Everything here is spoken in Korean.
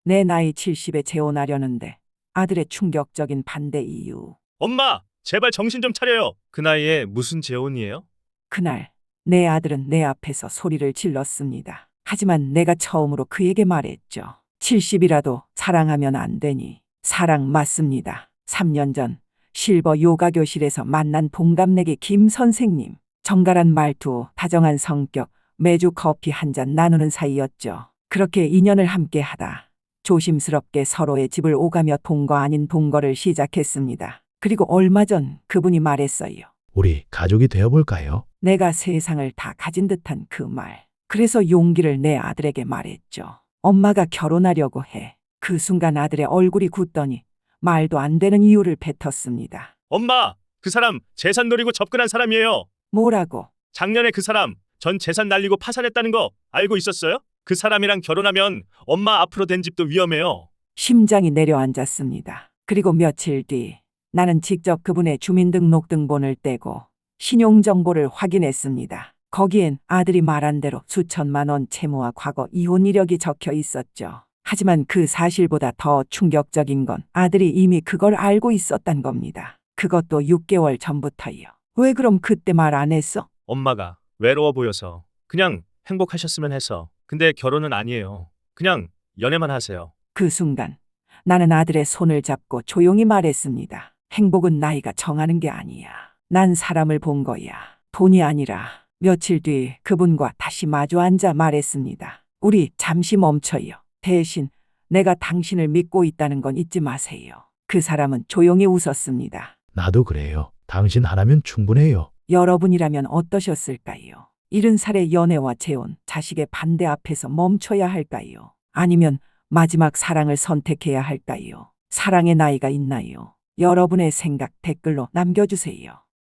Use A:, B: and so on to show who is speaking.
A: 내 나이 70에 재혼하려는데 아들의 충격적인 반대 이유.
B: 엄마, 제발 정신 좀 차려요. 그 나이에 무슨 재혼이에요?
A: 그날 내 아들은 내 앞에서 소리를 질렀습니다. 하지만 내가 처음으로 그에게 말했죠. 70이라도 사랑하면 안 되니. 사랑 맞습니다. 3년 전 실버 요가 교실에서 만난 동갑내기 김 선생님. 정갈한 말투, 다정한 성격, 매주 커피 한 잔 나누는 사이였죠. 그렇게 2년을 함께 하다 조심스럽게 서로의 집을 오가며 동거 아닌 동거를 시작했습니다. 그리고 얼마 전 그분이 말했어요.
C: 우리 가족이 되어볼까요?
A: 내가 세상을 다 가진 듯한 그 말. 그래서 용기를 내 아들에게 말했죠. 엄마가 결혼하려고 해. 그 순간 아들의 얼굴이 굳더니 말도 안 되는 이유를 뱉었습니다.
B: 엄마, 그 사람 재산 노리고 접근한 사람이에요.
A: 뭐라고?
B: 작년에 그 사람 전 재산 날리고 파산했다는 거 알고 있었어요? 그 사람이랑 결혼하면 엄마 앞으로 된 집도 위험해요.
A: 심장이 내려앉았습니다. 그리고 며칠 뒤 나는 직접 그분의 주민등록등본을 떼고 신용정보를 확인했습니다. 거기엔 아들이 말한 대로 수천만 원 채무와 과거 이혼 이력이 적혀 있었죠. 하지만 그 사실보다 더 충격적인 건 아들이 이미 그걸 알고 있었단 겁니다. 그것도 6개월 전부터요. 왜 그럼 그때 말 안 했어?
B: 엄마가 외로워 보여서 그냥 행복하셨으면 해서. 근데 결혼은 아니에요. 그냥 연애만 하세요.
A: 그 순간 나는 아들의 손을 잡고 조용히 말했습니다. 행복은 나이가 정하는 게 아니야. 난 사람을 본 거야. 돈이 아니라. 며칠 뒤 그분과 다시 마주 앉아 말했습니다. 우리 잠시 멈춰요. 대신 내가 당신을 믿고 있다는 건 잊지 마세요. 그 사람은 조용히 웃었습니다.
C: 나도 그래요. 당신 하나면 충분해요.
A: 여러분이라면 어떠셨을까요? 70살의 연애와 재혼, 자식의 반대 앞에서 멈춰야 할까요? 아니면 마지막 사랑을 선택해야 할까요? 사랑의 나이가 있나요? 여러분의 생각 댓글로 남겨주세요.